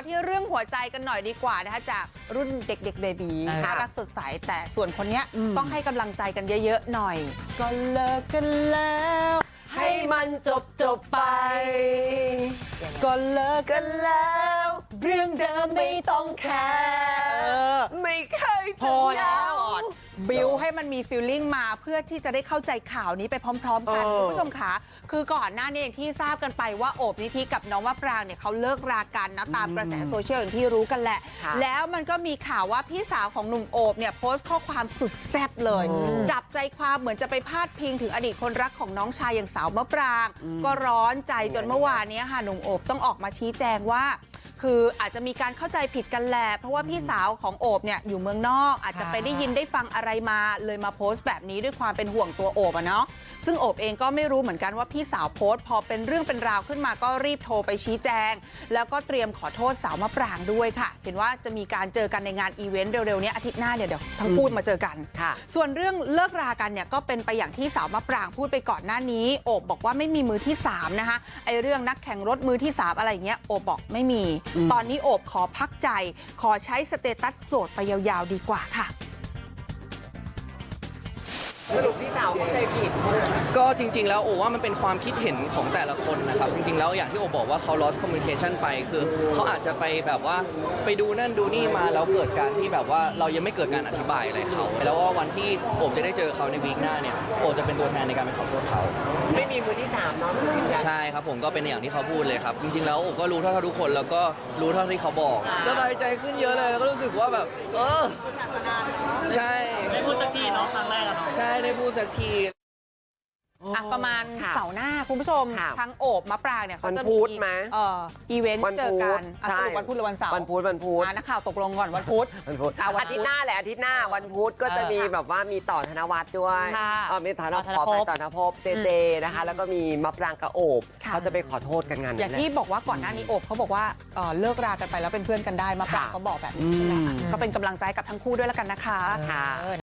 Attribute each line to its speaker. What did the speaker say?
Speaker 1: ที่เรื่องหัวใจกันหน่อยดีกว่านะคะจากรุ่นเด็กๆเบบีน่ารักสดใสแต่ส่วนคนนี้ต้องให้กำลังใจกันเยอะๆหน่อยก็เลิกกันแล้ว
Speaker 2: ให้มันจบไป
Speaker 1: ก็เลิกกันแล้วเรื่องเดิมไม่ต้องแคร์
Speaker 2: ไม่เคย
Speaker 1: พอแล้วบิวให้มันมีฟีลลิ่งมาเพื่อที่จะได้เข้าใจข่าวนี้ไปพร้อมๆกันคุณผู้ชมค่ะคือก่อนหน้านี้อย่างที่ทราบกันไปว่าโอบนิธิกับน้องมะปรางเนี่ยเขาเลิกรากันนะตามกระแสโซเชียลอย่างที่รู้กันแหละแล้วมันก็มีข่าวว่าพี่สาวของหนุ่มโอบเนี่ยโพสต์ข้อความสุดแซ่บเลยจับใจความเหมือนจะไปพาดพิงถึงอดีตคนรักของน้องชายอย่างสาวมะปรางก็ร้อนใจจนเมื่อวานนี้ค่ะหนุ่มโอบต้องออกมาชี้แจงว่าคืออาจจะมีการเข้าใจผิดกันแหละเพราะว่าพี่สาวของโอบเนี่ยอยู่เมืองนอกอาจจะไปได้ยินได้ฟังอะไรมาเลยมาโพสต์แบบนี้ด้วยความเป็นห่วงตัวโอบอะเนาะซึ่งโอบเองก็ไม่รู้เหมือนกันว่าพี่สาวโพสต์พอเป็นเรื่องเป็นราวขึ้นมาก็รีบโทรไปชี้แจงแล้วก็เตรียมขอโทษสาวมะปรางด้วยค่ะเห็นว่าจะมีการเจอกันในงานอีเวนต์เร็วๆนี้อาทิตย์หน้าเดี๋ยวทั้งคู่มาเจอกันส่วนเรื่องเลิกรากันเนี่ยก็เป็นไปอย่างที่สาวมะปรางพูดไปก่อนหน้านี้โอบบอกว่าไม่มีมือที่3นะคะไอเรื่องนักแข่งรถมือที่3อะไรอย่างเงี้ยโอบบอกไม่มีตอนนี้โอบขอพักใจขอใช้สเตตัสโสดไปยาวๆดีกว่าค่ะ
Speaker 2: สรุปพี่สาวเข้าใจผิด
Speaker 3: ก็จริงๆแล้วโอว่ามันเป็นความคิดเห็นของแต่ละคนนะครับจริงๆแล้วอย่างที่โอบอกว่าเขา lost communication ไปคือเขาอาจจะไปแบบว่าไปดูนั่นดูนี่มาแล้วเกิดการที่แบบว่าเรายังไม่เกิดการอธิบายอะไรเขาแล้วว่าวันที่โอบจะได้เจอเขาในวีคหน้าเนี่ยโอบจะเป็นตัวแทนในการไปขอโทษเขา
Speaker 2: ไม่มีมือที่3เนาะ
Speaker 3: ใช่ครับผมก็เป็นอย่างที่เขาพูดเลยครับจริงๆแล้วโอบก็รู้เท่าทุกคนแล้วก็รู้เท่าที่เขาบอกสบายใจขึ้นเยอะเลยแล้วก็รู้สึกว่าแบบใช่
Speaker 4: ได้พูดสักทีเนาะครั้งแรกอะเนาะ
Speaker 3: ใช่ได้พูดสักที
Speaker 1: ประมาณเสาร์หน้าคุณผู้ชมทั้งโอบมะปรางเนี่ยเขาจะมีอีเวนต์เจอกันวันพุธหรือวันเสาร์
Speaker 2: วันพุธ
Speaker 1: นักข่าวตกลงก่อนวันพุธ
Speaker 2: อาทิตย์หน้าแหละอาทิตย์หน้าวันพุธก็จะมีแบบว่ามีต่อธนวัฒน์ด้วยมีต่อธนภพเจนะคะแล้วก็มีมะปรางกับโอบเขาจะไปขอโทษกันงาน
Speaker 1: อย่างที่บอกว่าก่อนหน้านี้โอบเขาบอกว่าเลิกรากันไปแล้วเป็นเพื่อนกันได้มะปรางเขาบอกแบบนี้ใช่ไหมก็เป็นกำลังใจกับทั้งคู่ด้วยแล้วกันนะคะ